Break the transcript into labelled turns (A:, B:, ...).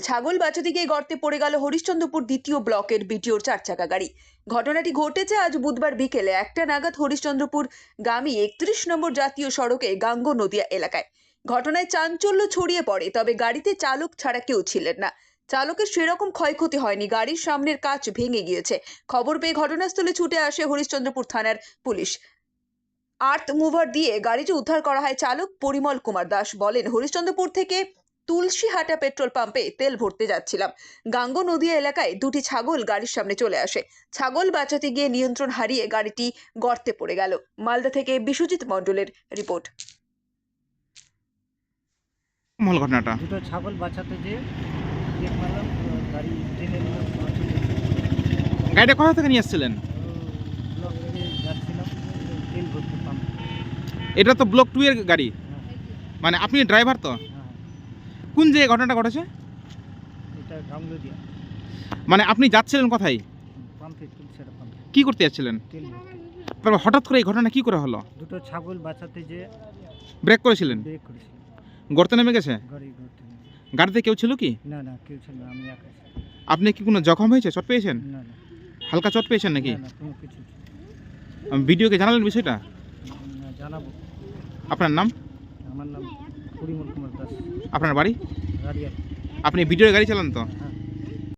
A: ছাগল বাঁচাতে গিয়ে গর্তে পড়ে গেল হরিশ্চন্দ্রপুর দ্বিতীয় ব্লকের বিটিওর 4 চাকা গাড়ি। ঘটনাটি ঘটেছে আজ বুধবার বিকেলে 1টা নাগাদ হরিশ্চন্দ্রপুর গামী 31 নম্বর জাতীয় সড়কে গাঙ্গ নদিয়া এলাকায়। ঘটনায় চাঞ্চল্য ছড়িয়ে পড়ে, তবে গাড়িতে চালক ছাড়া কেউ ছিলেন না। চালকের সেরকম ক্ষয়ক্ষতি হয়নি, গাড়ির সামনের কাঁচ ভেঙে গিয়েছে। খবর পেয়ে ঘটনাস্থলে ছুটে আসে হরিশ্চন্দ্রপুর থানার পুলিশ। আর্থ মুভার দিয়ে গাড়িটি উদ্ধার করা হয়। চালক পরিমল কুমার দাস বলেন, হরিশ্চন্দ্রপুর থেকে তুলসীহাটা পেট্রোল পাম্পে তেল ভরতে যাচ্ছিলাম। গাঙ্গ নদিয়া এলাকায় দুটি ছাগল গাড়ির সামনে চলে আসে। ছাগল বাঁচাতে গিয়ে নিয়ন্ত্রণ হারিয়ে গাড়িটি গর্তে পড়ে গেল। মালদা থেকে বিশ্বজিৎ মণ্ডলের রিপোর্ট।
B: মূল ঘটনাটা
C: দুটো ছাগল বাঁচাতে যেয়ে চেক মারলাম, গাড়ি টেনে নিলাম।
B: গাড়িটা কোথা থেকে নিয়ে আসছিলেন?
C: ব্লক থেকে যাচ্ছিলাম তেল ভরতে পাম্প।
B: এটা তো ব্লক 2 এর গাড়ি, মানে আপনি ড্রাইভার তো?
C: হ্যাঁ,
B: কোন জায়গায় ঘটনাটা ঘটেছে?
C: এটা গাঙ্গুলিয়া
B: মানে আপনি যাচ্ছিলেন কোথায়?
C: পাম্পে, তুলসীহাটা পাম্পে
B: কি করতে যাচ্ছিলেন?
C: তেল ভরতে।
B: তারপর হঠাৎ করে এই ঘটনা কি করে হলো?
C: দুটো ছাগল বাঁচাতে যেয়ে
B: ব্রেক করেছিলেন,
C: ব্রেক করেছিলাম,
B: গর্তে নেমে গেছে?
C: গাড়ি ঘুরতে।
B: গাড়িতে কেউ ছিল কি?
C: না না, কেউ ছিল না, আমি একা ছিলাম।
B: আপনি কি কোনো জখম হয়েছে, চোট পেয়েছেন?
C: না না
B: হালকা চোট পেয়েছেন নাকি?
C: না, কোনো কিছু
B: ভিডিওকে জানালেন বিষয়টা?
C: না, জানাবো।
B: আপনার নাম?
C: আমার নাম পরিমল কুমার দাস,
B: আপনার বাড়ি?
C: গাড়িয়াল।
B: আপনি ভিডিওর গাড়ি চালান তো?
C: হ্যাঁ।